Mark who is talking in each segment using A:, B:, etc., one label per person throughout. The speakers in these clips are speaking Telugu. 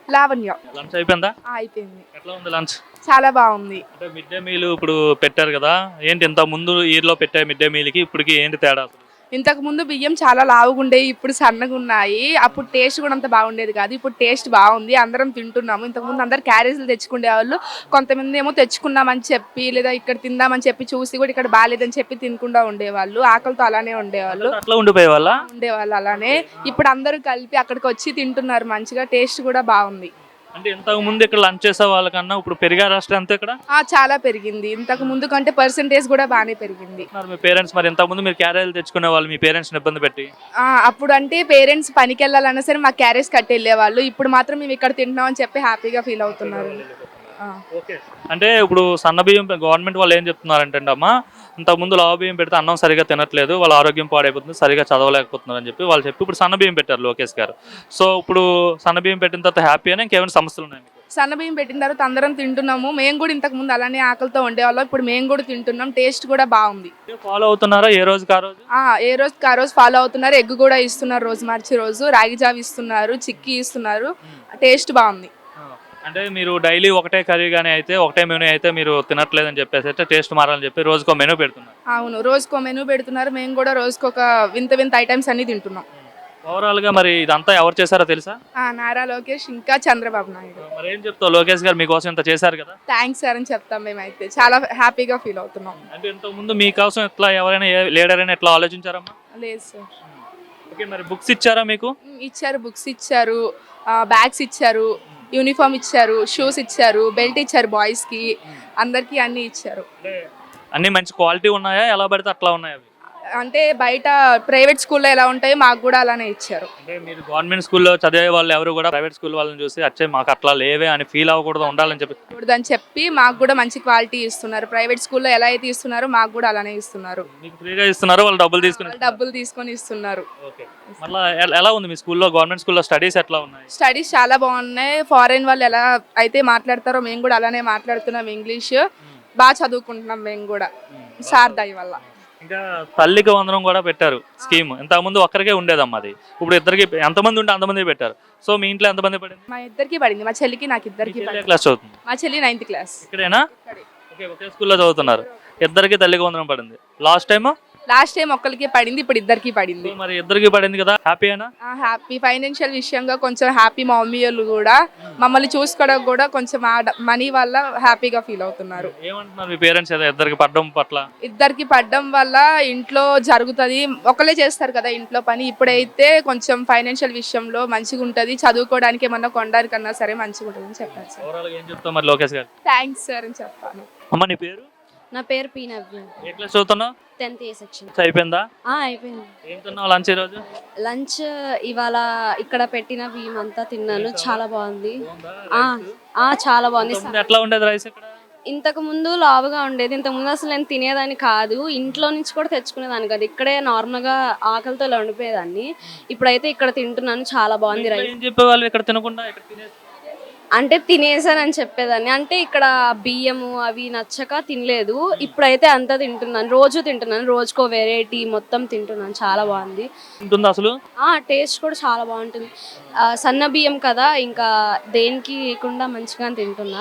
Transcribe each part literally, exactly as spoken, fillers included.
A: లావణ్య.
B: లంచ్ అయిపోయిందా?
A: ఆ, అయిపోయింది.
B: ఎట్లా ఉంది లంచ్?
A: చాలా బాగుంది.
B: అంటే మిడ్ డే మీల్ ఇప్పుడు పెట్టారు కదా, ఏంటి ఇంత ముందు ఇయర్ లో పెట్టే మిడ్ డే మీల్ కి ఇప్పటికి ఏంటి తేడా అసలు?
A: ఇంతకు ముందు బియ్యం చాలా లావుగా ఉండేవి, ఇప్పుడు సన్నగా ఉన్నాయి. అప్పుడు టేస్ట్ కూడా అంత బాగుండేది కాదు, ఇప్పుడు టేస్ట్ బాగుంది. అందరం తింటున్నాము. ఇంతకు ముందు అందరు క్యారేజీలు తెచ్చుకునే వాళ్ళు, కొంతమంది ఏమో తెచ్చుకున్నామని చెప్పి లేదా ఇక్కడ తిందామని చెప్పి చూసి కూడా ఇక్కడ బాగాలేదని చెప్పి తినకుండా ఉండేవాళ్ళు. ఆకలితో అలానే ఉండేవాళ్ళు
B: అట్లా ఉండిపోయే వాళ్ళ
A: ఉండేవాళ్ళు అలానే. ఇప్పుడు అందరూ కలిపి అక్కడికి వచ్చి తింటున్నారు మంచిగా, టేస్ట్ కూడా బాగుంది.
B: అంటే ఇంతకు ముందు ఇక్కడ లంచ్ చేసే వాళ్ళకన్నా ఇప్పుడు పెరిగారు రాష్ట్రం అంతా ఇక్కడ?
A: ఆ, చాలా పెరిగింది. ఇంతకు ముందు కంటే పర్సెంటేజ్ కూడా బాగానే పెరిగింది.
B: మీ పేరెంట్స్ మరి ఇంతకు ముందు మీరు క్యారేజీలు తెచ్చుకునే వాళ్ళు, మీ పేరెంట్స్ ఇబ్బంది పెట్టి?
A: ఆ, అప్పుడు అంటే పేరెంట్స్ పనికి వెళ్ళాలన్నా సరే మా క్యారేజ్ కట్టి వెళ్ళేవాళ్ళు. ఇప్పుడు మాత్రం మేము ఇక్కడ తింటున్నాం అని చెప్పి హ్యాపీగా ఫీల్ అవుతున్నారు.
B: అంటే ఇప్పుడు సన్న బియ్యం గవర్నమెంట్ వాళ్ళు ఏం చెప్తున్నారంటే అమ్మా, ఇంతకు ముందు లావు బియ్యం పెడితే అన్నం సరిగా తినట్లేదు, వాళ్ళ ఆరోగ్యం పాడైపోతుంది, సరిగా చదవలేకపోతున్నారు అని చెప్పి వాళ్ళు చెప్పి ఇప్పుడు సన్న బియ్యం పెట్టారు లోకేష్ గారు. సో ఇప్పుడు సన్న బియ్యం పెట్టిన తర్వాత హ్యాపీ అని ఇంకేమైనా సమస్యలు ఉన్నాయి?
A: సన్న బియ్యం పెట్టిన తర్వాత అందరం తింటున్నాము. మేము కూడా ఇంతకు ముందు అలానే ఆకలితో ఉండేవాళ్ళం, ఇప్పుడు మేము కూడా తింటున్నాం. టేస్ట్ కూడా బాగుంది.
B: ఫాలో అవుతున్నారా ఏ రోజుకి ఆ రోజు?
A: ఏ రోజుకి ఆ రోజు ఫాలో అవుతున్నారు. ఎగ్ కూడా ఇస్తున్నారు రోజు మార్చి రోజు, రాగి జావ ఇస్తున్నారు, చిక్కీ ఇస్తున్నారు. టేస్ట్ బాగుంది.
B: అంటే మీరు డైలీ ఒకటే కర్రీ కానీ అయితే ఒకటే మెనూ అయితే మీరు తినట్లేదని చెప్పేసి అయితే టేస్ట్ మారాలని చెప్పి రోజుకో మెనూ పెడుతున్నారు.
A: అవును, రోజుకో మెనూ పెడుతున్నారు. మేము కూడా రోజుకొక వింత వింత ఐటమ్స్ అన్ని తింటున్నాం.
B: ఓవరాల్ గా మరి ఇదంతా ఎవరు చేశారో తెలుసా?
A: నారా లోకేష్ ఇంకా చంద్రబాబు నాయుడు.
B: మరి ఏం చెప్తావు, లోకేష్ గారు మీకోసం ఇంత చేశారు కదా?
A: థ్యాంక్స్ సార్ అని చెప్తాం. మేమైతే చాలా హ్యాపీగా ఫీల్ అవుతున్నాం.
B: అంటే ఇంతకు ముందు మీకోసం ఎట్లా ఎవరైనా లీడర్ అయినా ఎట్లా ఆలోచించారమ్మా?
A: లేదు సార్.
B: ఓకే, మరి బుక్స్ ఇచ్చారా మీకు?
A: ఇచ్చారు, బుక్స్ ఇచ్చారు, బ్యాగ్స్ ఇచ్చారు, యూనిఫామ్ ఇచ్చారు, షూస్ ఇచ్చారు, బెల్ట్ ఇచ్చారు బాయ్స్ కి, అందరికి అన్ని ఇచ్చారు.
B: అన్ని మంచి క్వాలిటీ ఉన్నాయా, ఎలా పడితే అట్లా ఉన్నాయా?
A: అంటే బయట ప్రైవేట్ స్కూల్లో ఎలా ఉంటాయో మాకు కూడా అలానే ఇచ్చారు.
B: అంటే మీరు గవర్నమెంట్ స్కూల్లో చదివే వాళ్ళు ఎవరు కూడా ప్రైవేట్ స్కూల్ వాళ్ళని చూసి వచ్చే మాకు అట్లా లేవే అని ఫీల్ అవ్వకూడదు, ఉండాలని చెప్పి
A: అని చెప్పి మాకు కూడా మంచి క్వాలిటీ ఇస్తున్నారు. ప్రైవేట్ స్కూల్లో ఎలా అయితే ఇస్తున్నారో మాకు కూడా అలానే ఇస్తున్నారు.
B: మీకు ఫ్రీగా ఇస్తున్నారు, వాళ్ళు డబ్బులు తీసుకుని
A: డబ్బులు తీసుకొని ఇస్తున్నారు.
B: మళ్ళీ ఎలా ఉంది మీ స్కూల్లో, గవర్నమెంట్ స్కూల్లో స్టడీస్ ఎట్లా ఉన్నాయి?
A: స్టడీస్ చాలా బాగున్నాయి. ఫారెన్ వాళ్ళు ఎలా అయితే మాట్లాడతారో మేము కూడా అలానే మాట్లాడుతున్నాం. ఇంగ్లీష్ బాగా చదువుకుంటున్నాం మేము కూడా సార్ దయ వల్ల.
B: ఇంకా తల్లికి వందనం కూడా పెట్టారు స్కీమ్. ఇంతకు ముందు ఒక్కరికే ఉండేదమ్మా, అది ఇప్పుడు ఇద్దరికి ఎంతమంది ఉంటే అంతమంది పెట్టారు. సో మీ ఇంట్లో ఎంతమంది పడింది?
A: మా ఇద్దరికి పడింది, మా చెల్లికి నాకు ఇద్దరికి.
B: క్లాస్ చదువుతుంది
A: మా చెల్లి నైన్త్ క్లాస్.
B: ఇక్కడేనా? ఓకే, ఒకే స్కూల్లో చదువుతున్నారు. ఇద్దరికి తల్లికి వందనం పడింది. లాస్ట్ టైం
A: లాస్ట్ టైం ఒక్కరికి పడింది, ఇప్పుడు ఇద్దరికి పడింది.
B: మరి ఇద్దరికి పడింది కదా, హ్యాపీయేనా?
A: హ్యాపీ. ఫైనాన్షియల్ విషయంగా కొంచెం హ్యాపీ. మా మమ్మీ వాళ్ళు కూడా మమ్మల్ని చూసుకోవడం కూడా కొంచెం మనీ వల్ల హ్యాపీగా ఫీల్ అవుతున్నారు.
B: ఏమంటున్నారు మీ పేరెంట్స్ ఇద్దరికి పడడం పట్ల?
A: ఇద్దరికి పడడం వల్ల ఇంట్లో జరుగుతుంది, ఒకళ్ళే చేస్తారు కదా ఇంట్లో పని. ఇప్పుడైతే కొంచెం ఫైనాన్షియల్ విషయంలో మంచిగా ఉంటుంది, చదువుకోవడానికి ఏమన్నా కొనడానికన్నా సరే మంచిగా ఉంటుంది అని చెప్పారు సార్.
B: ఏం చెప్తావు మరి లోకేష్ గారు?
A: థ్యాంక్స్ సార్ అని చెప్పాను.
B: అమ్మ నీ పేరు?
C: నా పేరు పి నవ్య.
B: ఏ క్లాస్ చదువుతున్నావు?
C: Tenth A section.
B: అయిపోయిందా?
C: అయిపోయింది.
B: ఏం తిన్నావు లంచ్ ఈరోజు?
C: లంచ్ ఇవాళ ఇక్కడ పెట్టిన బియ్యం అంతా తిన్నాను, చాలా బాగుంది. చాలా బాగుంది.
B: ఎట్లా ఉండేది రైస్ ఇక్కడ?
C: ఇంతకు ముందు లావుగా ఉండేది. ఇంతకు ముందు అసలు నేను తినేదాన్ని కాదు, ఇంట్లో నుంచి కూడా తెచ్చుకునేదాన్ని కాదు, ఇక్కడే నార్మల్ గా ఆకలితో ఇలా ఉండిపోయేదాన్ని. ఇప్పుడైతే ఇక్కడ తింటున్నాను, చాలా బాగుంది రైస్.
B: ఏం చెప్పేవాళ్ళు ఇక్కడ తినకుండా?
C: అంటే తినేసానని చెప్పేదాన్ని, అంటే ఇక్కడ బియ్యము అవి నచ్చక తినలేదు. ఇప్పుడైతే అంతా తింటున్నాను, రోజు తింటున్నాను, రోజుకో వెరైటీ మొత్తం తింటున్నాను, చాలా బాగుంది
B: అసలు.
C: టేస్ట్ కూడా చాలా బాగుంటుంది. సన్న బియ్యం కదా, ఇంకా దేనికి లేకుండా మంచిగా తింటున్నా.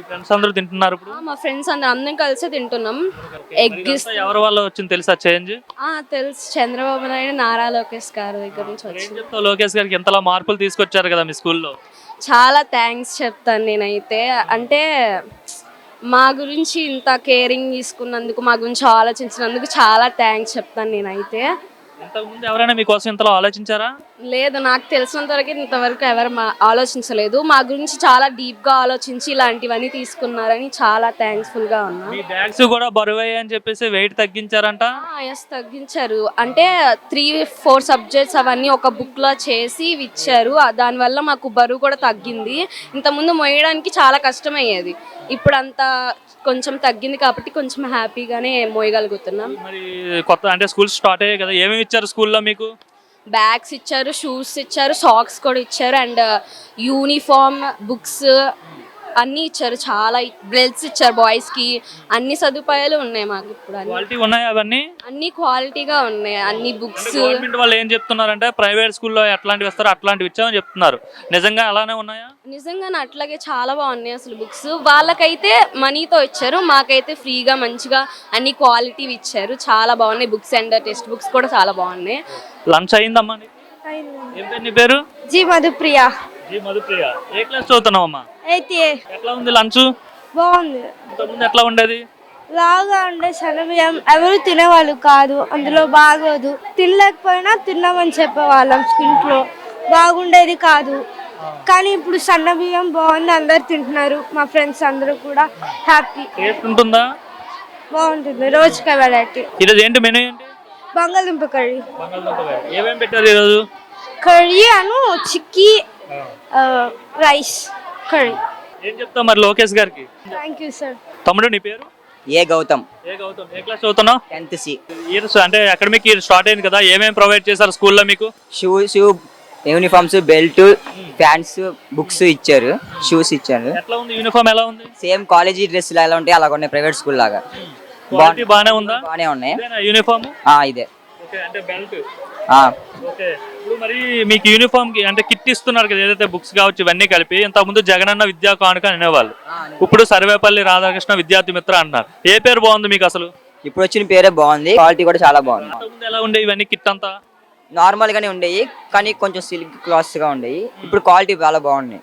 C: మా ఫ్రెండ్స్ అందరూ అందరం కలిసి తింటున్నాం. ఎగ్
B: ఎవరి వల్ల వచ్చింది తెలుసా చేంజ్?
C: తెలుసు, చంద్రబాబు నాయుడు నారా లోకేష్ గారి దగ్గర నుంచి వచ్చింది.
B: లోకేష్ గారికి ఎంతలా మార్పులు తీసుకొచ్చారు కదా మీ స్కూల్లో.
C: చాలా థ్యాంక్స్ చెప్తాను నేనైతే. అంటే మా గురించి ఇంత కేరింగ్ తీసుకున్నందుకు, మా గురించి ఆలోచించినందుకు చాలా థ్యాంక్స్ చెప్తాను నేనైతే.
B: ఇంతకుముందు ఎవరైనా మీకోసం ఇంతలో ఆలోచించారా?
C: లేదు, నాకు తెలిసినంత వరకు ఇంతవరకు ఎవరు మా ఆలోచించలేదు. మా గురించి చాలా డీప్ గా ఆలోచించి ఇలాంటివన్నీ తీసుకున్నారని చాలా థ్యాంక్స్ఫుల్ గా ఉన్నా.
B: మీ బ్యాగ్స్ కూడా బరువయ్యాయి అని చెప్పేసి వెయిట్ తగ్గించారంట?
C: ఎస్, తగ్గించారు. అంటే త్రీ ఫోర్ సబ్జెక్ట్స్ అవన్నీ ఒక బుక్ లో చేసి ఇచ్చారు, దానివల్ల మాకు బరువు కూడా తగ్గింది. ఇంతకుముందు మోయడానికి చాలా కష్టమయ్యేది, ఇప్పుడు అంతా కొంచెం తగ్గింది కాబట్టి కొంచెం హ్యాపీగానే మోయగలుగుతున్నాం.
B: మరి కొత్త అంటే స్కూల్ స్టార్ట్ అయ్యాయి కదా, ఏమేమి ఇచ్చారు స్కూల్లో మీకు?
C: బ్యాగ్స్ ఇచ్చారు, షూస్ ఇచ్చారు, సాక్స్ కూడా ఇచ్చారు, అండ్ యూనిఫామ్, బుక్స్, అన్ని ఇచ్చారు, చాలా బెల్ట్స్ ఇచ్చారు బాయ్స్ కి, అన్ని సదుపాయాలు ఉన్నాయి మాకు ఇప్పుడు. అన్ని
B: క్వాలిటీ ఉన్నాయి అవన్నీ.
C: అన్ని క్వాలిటీగా ఉన్నాయి, అన్ని బుక్స్.
B: గవర్నమెంట్ వాళ్ళు ఏం చెప్తున్నారంటే ప్రైవేట్ స్కూల్లో ఎట్లాంటివి ఇస్తారో అట్లాంటివి ఇచ్చామని చెప్తున్నారు. నిజంగా అలానే ఉన్నాయా?
C: నిజంగానే అట్లాగే చాలా బాగున్నాయి అసలు బుక్స్. వాళ్ళకైతే మనీతో ఇచ్చారు, మాకైతే ఫ్రీగా మంచిగా అన్ని క్వాలిటీ ఇచ్చారు. చాలా బాగున్నాయి బుక్స్ అండ్ టెక్స్ట్ బుక్స్ కూడా చాలా బాగున్నాయి.
B: లంచ్ అయిందమ్మా? ఏం పేరు నీ పేరు?
D: జీ మధుప్రియ.
B: జీ మధుప్రియ. ఏ క్లాస్ చదువుతున్నావమ్మా?
D: అయితే
B: ఎట్లా ఉంది లంచ్?
D: బాగుంది.
B: ఇంతకుముందు ఎట్లా ఉండేది?
D: లాగా ఉండే సన్నబియ్యం ఎవరు తినేవాళ్ళు కాదు, అందులో బాగోదు. తినలేకపోయినా తిన్నామని చెప్పేవాళ్ళం ఇంట్లో, బాగుండేది కాదు. కానీ ఇప్పుడు సన్న బియ్యం బాగుంది, అందరు తింటున్నారు. మా ఫ్రెండ్స్ అందరూ కూడా హ్యాపీ.
B: టేస్ట్ ఉంటుందా?
D: బాగుంటుంది. రోజుకి వెరైటీ.
B: ఈరోజు ఏంటి మెనూ ఏంటి?
D: బంగాళదుంప కర్రీ.
B: బంగాళదుంప కర్రీ. ఏమేం పెట్టారు ఈరోజు?
D: కర్రీ అను చిక్కీ రైస్ కర్రీ.
B: ఏం చెప్తావు మరి లోకేష్ గారికి?
D: Thank you sir.
B: తమ్ముడు నీ పేరు?
E: ఏ గౌతమ్.
B: ఏ గౌతమ్. ఏ క్లాస్ చదువుతున్నావు?
E: Tenth C.
B: ఇయర్ అంటే అకాడమిక్ ఇయర్ స్టార్ట్ అయింది కదా, ఏమేమి ప్రొవైడ్ చేశారు స్కూల్లో మీకు?
E: Shoe shoe uniforms, belt, pants, books ఇచ్చారు, షూస్ ఇచ్చారు.
B: ఎట్లా ఉంది యూనిఫామ్? ఎలా ఉంది?
E: సేమ్ కాలేజీ డ్రెస్ ఎలా ఉంటాయి అలాగ ఉన్నాయి, ప్రైవేట్ స్కూల్ లాగా.
B: క్వాలిటీ బాగానే ఉందా?
E: బాగానే ఉన్నాయి.
B: యూనిఫామ్
E: ఇదే.
B: ఓకే, అంటే బెల్ట్.
E: ఆ.
B: ఓకే. ఇప్పుడు మరి మీకు యూనిఫామ్ కి అంటే కిట్ ఇస్తున్నారు కదా, ఏదైతే బుక్స్ కావచ్చు ఇవన్నీ కలిపి. ఇంతకుముందు జగనన్న విద్యా కానుక అనేవాళ్ళు, ఇప్పుడు సర్వేపల్లి రాధాకృష్ణ విద్యార్థి మిత్ర అంటున్నారు. ఏ పేరు బాగుంది మీకు అసలు?
E: ఇప్పుడు వచ్చిన పేరే బాగుంది, క్వాలిటీ కూడా చాలా బాగుంది.
B: ఇంతకుముందు ఎలా ఉండే ఇవన్నీ కిట్ అంతా?
E: నార్మల్ గానే ఉండేవి కానీ కొంచెం సిల్క్ క్లాత్స్ గా ఉండేవి. ఇప్పుడు క్వాలిటీ చాలా బాగున్నాయి.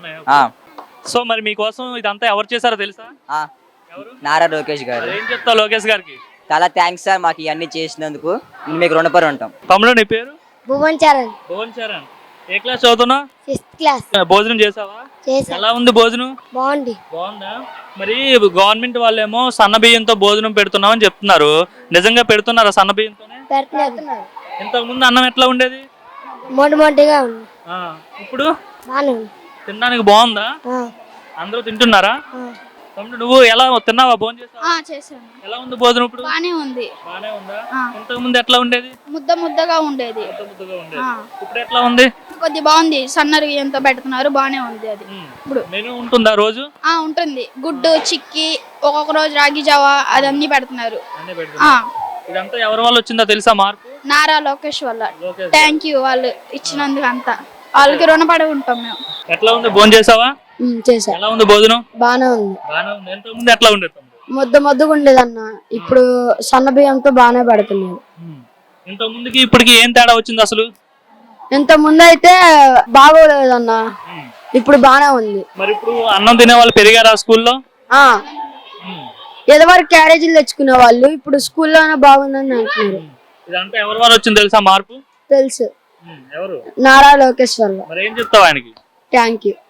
B: సో మరి మీకోసం ఇదంతా ఎవరు చేశారో తెలుసా?
E: నారా లోకేష్ గారు.
B: ఏం చెప్తావు లోకేష్ గారికి?
E: చాలా థ్యాంక్స్ సార్, మాకు ఇవన్నీ చేసినందుకు మేము మీకు రుణపడి ఉంటాం.
B: తమ్ముడు నీ పేరు?
D: భువన్ చరణ్.
B: భువన్ చరణ్. ఏ క్లాస్ చదువుతున్నా?
D: Fifth class.
B: భోజనం చేసావా?
D: చేసా.
B: ఎలా ఉంది భోజనం?
D: బాగుంది.
B: బాగుందా? మరి గవర్నమెంట్ వాళ్ళేమో సన్న బియ్యంతో భోజనం పెడుతున్నామని చెప్తున్నారు. నిజంగా పెడుతున్నారా సన్న బియ్యంతోనే?
D: పెడుతున్నారు.
B: ఇంతకు ముందు అన్నం ఎట్లా ఉండేది?
D: మొండి మొండిగా ఉంది.
B: ఇప్పుడు
D: బాగానే ఉంది.
B: తినడానికి బాగుందా? అందరూ తింటున్నారా? తమ్ముడు నువ్వు ఎలా తిన్నావా? భోజనం చేసావా?
F: చేశాను.
B: ఎలా ఉంది భోజనం ఇప్పుడు?
F: బానే ఉంది.
B: బానే ఉందా? ఇంతకు ముందు ఎట్లా ఉండేది?
F: ముద్ద ముద్దగా ఉండేది.
B: ముద్ద ముద్దగా ఉండేది. ఇప్పుడు ఎట్లా ఉంది?
F: కొద్ది బాగుంది. సన్నరు ఎంతో పెడుతున్నారు, బానే ఉంది. అది
B: ఇప్పుడు మెనూ ఉంటుందా రోజు?
F: ఆ ఉంటుంది. గుడ్డు, చిక్కి, ఒక్కొక్క రోజు రాగి జావా అదన్నీ పెడుతున్నారు.
B: ఇదంతా ఎవరి వల్ల వచ్చిందో తెలుసా మార్పు?
F: నారా లోకేష్ వల్ల. థ్యాంక్ యూ వాళ్ళు ఇచ్చినందుకు, అంతా వాళ్ళకి రుణపడి ఉంటాం మేము.
B: ఎట్లా ఉంది? భోజనం చేసావా?
D: చేసా.
B: ఎలా ఉంది భోజనం?
D: బానే ఉంది.
B: బానే ఉంది. ఇంతకు ముందు ఎట్లా ఉండేది?
D: ముద్ద ముద్దగా ఉండేది అన్న, ఇప్పుడు సన్న బియ్యంతో బాగానే పెడుతున్నారు.
B: ఇంతకు ముందుకి ఇప్పటికి ఏం తేడా వచ్చింది అసలు?
D: ఇంత ముందు అయితే బాగోలేదన్న, ఇప్పుడు బానే ఉంది.
B: మరి ఇప్పుడు అన్నం తినే వాళ్ళు పెరిగారా స్కూల్లో?
D: ఎదవరకు క్యారేజీలు తెచ్చుకునే వాళ్ళు ఇప్పుడు స్కూల్లోనే బాగుందని అంటున్నారు.
B: ఇదంతా ఎవరి వల్ల వచ్చింది తెలుసా మార్పు?
D: తెలుసు.
B: ఎవరు?
D: నారా లోకేష్ వల్ల.
B: మరి ఏం చెప్తావు ఆయనకి?
D: Thank you.